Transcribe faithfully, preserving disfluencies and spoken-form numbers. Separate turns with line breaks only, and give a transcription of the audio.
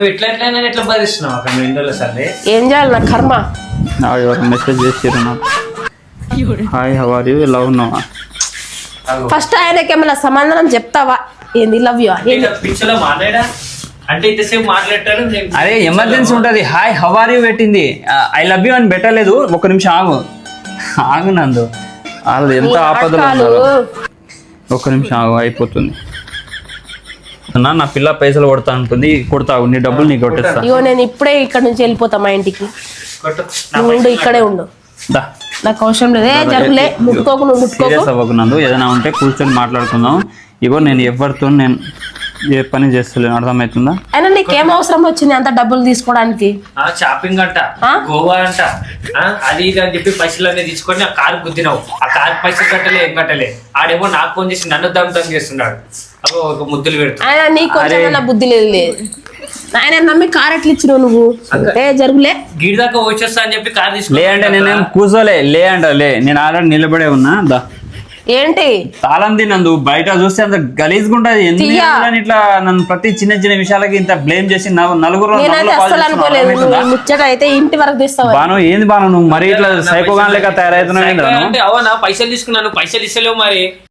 ఎట్లా ఎట్లా ఎట్లా భరిస్తున్నావు అక్కడ ఇంట్లో సరే
ఏం చేయాలి నా కర్మ.
ఎవరు మెసేజ్ చేసిర్రు నాకు, hi how are you, love ఉన్నావా?
ఫస్ట్ ఆయనకి ఏమైనా సమాధానం చెప్తావా? ఏంది లవ్ యూ
పిక్చర్లో మాట్లాడా అంటే ఇంతసేపు మాట్లాడతారు.
అరే ఎమర్జెన్సీ ఉంటది, హాయ్ హౌ ఆర్ యూ పెట్టింది, ఐ లవ్ యూ అని పెట్టలేదు. ఒక నిమిషం ఆగు ఆగు నందు, వాళ్ళు ఎంత ఆపదలు ఉన్నారు. ఒక్క నిమిషం ఆగు, అయిపోతుంది. నా నా పిల్ల పైసలు కొడతా ఉంటుంది, కొడతావు, నీ డబ్బులు నీకు కొట్టేస్తా.
ఇగో నేను ఇప్పుడే ఇక్కడ నుంచి వెళ్ళిపోతా మా ఇంటికి. నువ్వు ఉండు, ఇక్కడే ఉండు,
దా
నాకు అవసరం లేదే. జరుగులే, ముట్టుకోకు, నువ్వు ముట్టుకోకు.
సీరియస్ అవ్వకు నందు, ఏదైనా ఉంటే కూర్చొని మాట్లాడుకుందాం. ఇగో నేను ఎవరితో నేను ఏ పని చేస్తలేను, అర్థమవుతుందా?
అయినా నీకేం అవసరం వచ్చింది అంత డబ్బులు తీసుకోవడానికి?
షాపింగ్ అంట, గోవా అంట, అది ఇది అని చెప్పి పైసలు అనేది తీసుకొని ఆ కారు గుద్దినావు. ఆ కారు పైసలు కట్టలే, ఏం కట్టలే. ఆడేమో నాకు ఫోన్ చేసి నన్ను దమ్తం చేస్తున్నాడు. అగో ఒక ముద్దులు పెడుతుంది.
ఆయన నీకు కొంచెం బుద్ధి లేదు లేదు ఆయన నమ్మి కార్ ఎట్లా ఇచ్చినావు నువ్వు? ఏ జరుగులే,
గిడి దాకా వచ్చేస్తా అని చెప్పి కారు తీసుకు.
లే అంటే నేనేం కూర్చోలే, లే అంట లే, నేను ఆల్రెడీ నిలబడే ఉన్నా. దా
ఏంటి
తాళం తిన్నందు, బయట చూస్తే అంత గలీజ్గా ఉంటది. ఎందుకు ఇట్లా నన్ను ప్రతి చిన్న చిన్న విషయాలకి ఇంత బ్లేమ్ చేసి నలుగురు
ముచ్చట అయితే ఇంటి వరకు తీస్తావు.
బాను ఏంది బాను, నువ్వు మరి ఇట్లా సైకోగాన్ లెక్క తయారవుతున్నావు.
అవునా పైసలు తీసుకున్నాను, పైసలు ఇస్తలేవు మరి.